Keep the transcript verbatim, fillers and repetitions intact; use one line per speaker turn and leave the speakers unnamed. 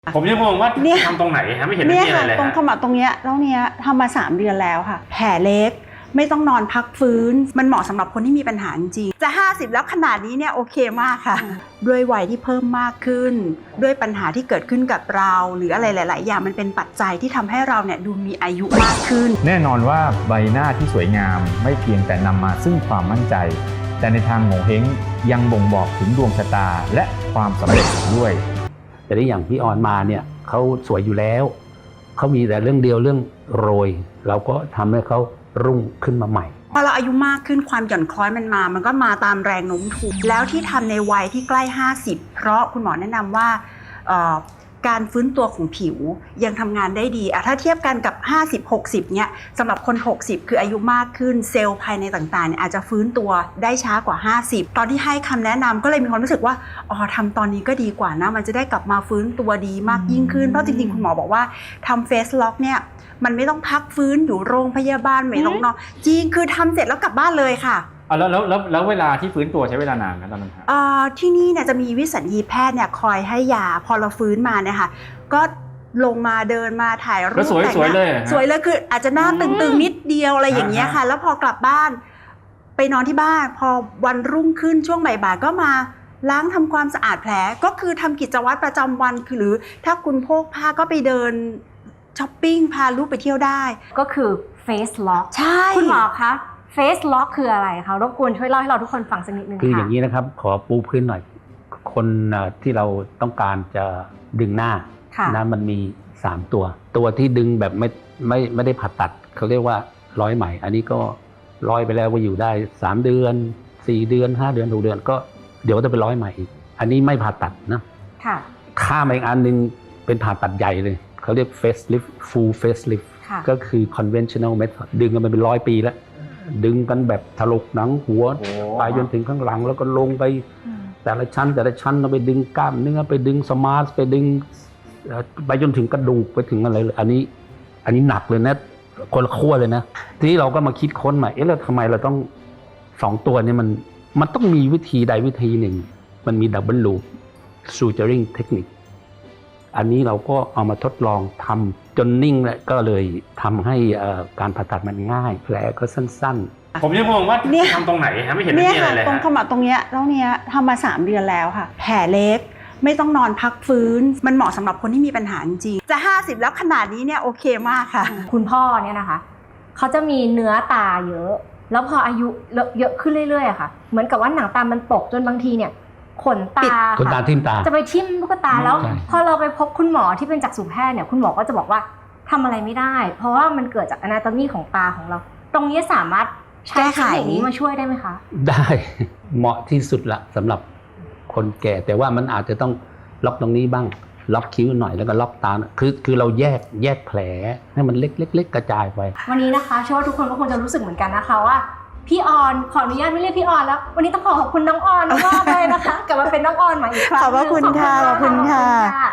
ผมยังงงว่าทำตรงไหนฮะไม่เห็นมีอะไรเลย
ตรงขมับตรงเนี้ยแล้วเนี้ยทำมาสามเดือนแล้วค่ะแผลเล็กไม่ต้องนอนพักฟื้นมันเหมาะสำหรับคนที่มีปัญหาจริงจะห้าสิบแล้วขนาดนี้เนี่ยโอเคมากค่ะด้วยวัยที่เพิ่มมากขึ้นด้วยปัญหาที่เกิดขึ้นกับเราหรืออะไรหลายๆอย่างมันเป็นปัจจัยที่ทำให้เราเนี่ยดูมีอายุมากขึ้น
แน่นอนว่าใบหน้าที่สวยงามไม่เพียงแต่นำมาซึ่งความมั่นใจแต่ในทางโงเห้งยังบ่งบอกถึงดวงชะตาและความสำเร็จด้วย
แต่ที่อย่างพี่ออนมาเนี่ยเขาสวยอยู่แล้วเขามีแต่เรื่องเดียวเรื่องโรยเราก็ทำให้เขารุ่งขึ้นมาใหม่
พอเราอายุมากขึ้นความหย่อนคล้อยมันมามันก็มาตามแรงโน้มถ่วงแล้วที่ทำในวัยที่ใกล้ห้าสิบเพราะคุณหมอแนะนำว่าการฟื้นตัวของผิวยังทำงานได้ดีอะถ้าเทียบกันกับห้าสิบ หกสิบเนี่ยสำหรับคนหกสิบคืออายุมากขึ้นเซลล์ภายในต่างๆเนี่ยอาจจะฟื้นตัวได้ช้ากว่าห้าสิบตอนที่ให้คำแนะนำก็เลยมีความรู้สึกว่าอ๋อทำตอนนี้ก็ดีกว่านะมันจะได้กลับมาฟื้นตัวดีมากยิ่งขึ้นเพราะจริงๆคุณหมอบอกว่าทำเฟสล็อกเนี่ยมันไม่ต้องพักฟื้นอยู่โรงพยาบาลไม่ต้องนอนจริงคือทำเสร็จแล้วกลับบ้านเลยค่ะ
แล้วแล้วแล้วแล้วเวลาที่ฟื้นตัวใช้เวลานานนะตอนนั้น
อ่าที่นี่เนี่ยจะมีวิสัญญีแพทย์เนี่ยคอยให้ยาพอเราฟื้นมาเนี่ยค่ะก็ลงมาเดินมาถ่ายรูป
แต่งหน้าสวยเลย
สวยเลยคืออาจจะหน้าตึงๆนิดเดียวอะไรอย่างเงี้ยค่ะแล้วพอกลับบ้านไปนอนที่บ้านพอวันรุ่งขึ้นช่วงบ่ายๆก็มาล้างทำความสะอาดแผลก็คือทำกิจวัตรประจำวันคือหรือถ้าคุณโพกผ้าก็ไปเดินช้อปปิ้งพาลูกไปเที่ยวได้
ก็คือ Face Lock
ใช่
คุณหมอคะFace Lock คืออะไรคะรบกวนช่วยเล่าให้เราทุกคนฟังสักนิดนึงค่ะ
คืออย่างนี้นะครับขอปูพื้นหน่อยคนที่เราต้องการจะดึงหน้านะมันมีสามตัวตัวที่ดึงแบบไม่ไม่ไม่ได้ผ่าตัดเขาเรียกว่าร้อยไหมอันนี้ก็ร้อยไปแล้วว่าอยู่ได้สามเดือนสี่เดือนห้าเดือนหกเดือนก็เดี๋ยวจะไปร้อยใหม่อีกอันนี้ไม่ผ่าตัดนะ
ค่ะ
ข้ามอีกอันนึงเป็นผ่าตัดใหญ่เลยเขาเรียก facelift full facelift ก็คือ conventional method ดึงกันมาเป็นร้อยปีแล้วดึงกันแบบถลกหนังหัวไปจนถึงข้างหลังแล้วก็ลงไปแต่ละชั้นแต่ละชั้นเราไปดึงกล้ามเนื้อไปดึงสมาร์ทไปดึงไปจนถึงกระดูกไปถึงอะไรเลยอันนี้อันนี้หนักเลยนะคนละขั้วเลยนะทีนี้เราก็มาคิดค้นใหม่เอ๊ะแล้วทำไมเราต้องสองตัวนี้มันมันต้องมีวิธีใดวิธีหนึ่งมันมีดับเบิลลูปซูเจอริงเทคนิคอันนี้เราก็เอามาทดลองทำจนนิ่งแล้วก็เลยทำให้การผ่าตัดมันง่ายแผลก็สั้น
ๆผมยังงงว่าทำตรงไหนฮะไม่เห็นมีอะไรเลย
ตรงขมับตรงเนี้ยแล้วเนี้ยทำมาสามเดือนแล้วค่ะแผลเล็กไม่ต้องนอนพักฟื้นมันเหมาะสำหรับคนที่มีปัญหาจริงจะห้าสิบแล้วขนาดนี้เนี่ยโอเคมากค่ะ
คุณพ่อเนี่ยนะคะเขาจะมีเนื้อตาเยอะแล้วพออายุเยอะขึ้นเรื่อยๆค่ะเหมือนกับว่าหนังตามันตกจนบางทีเนี่ยขนตา
ขนตาทิ่มตา
จะไปทิ่มลูกตาแล้วพอเราไปพบคุณหมอที่เป็นจักษุแพทย์เนี่ยคุณหมอก็จะบอกว่าทำอะไรไม่ได้เพราะว่ามันเกิดจากอนาโตมีของตาของเราตรงนี้สามารถใช้เทคนิคนี้มาช่วยได้ไหมคะ
ได้เหมาะที่สุดละสำหรับคนแก่แต่ว่ามันอาจจะต้องล็อกตรงนี้บ้างล็อกคิ้วหน่อยแล้วก็ล็อกตาคือคือเราแยกแยกแผลให้มันเล็กๆกระจายไป
วันนี้นะคะเชื่อว่าทุกคนก็คงจะรู้สึกเหมือนกันนะคะว่าพี่ออนขออนุญาตไม่เรียกพี่ออนแล้ววันนี้ต้องขอขอบคุณน้องออนมากเลยนะคะกลับมาเป็นน้องออนใหม่อีกครั้ง
ขอบคุณค่ะขอบคุณค่ะ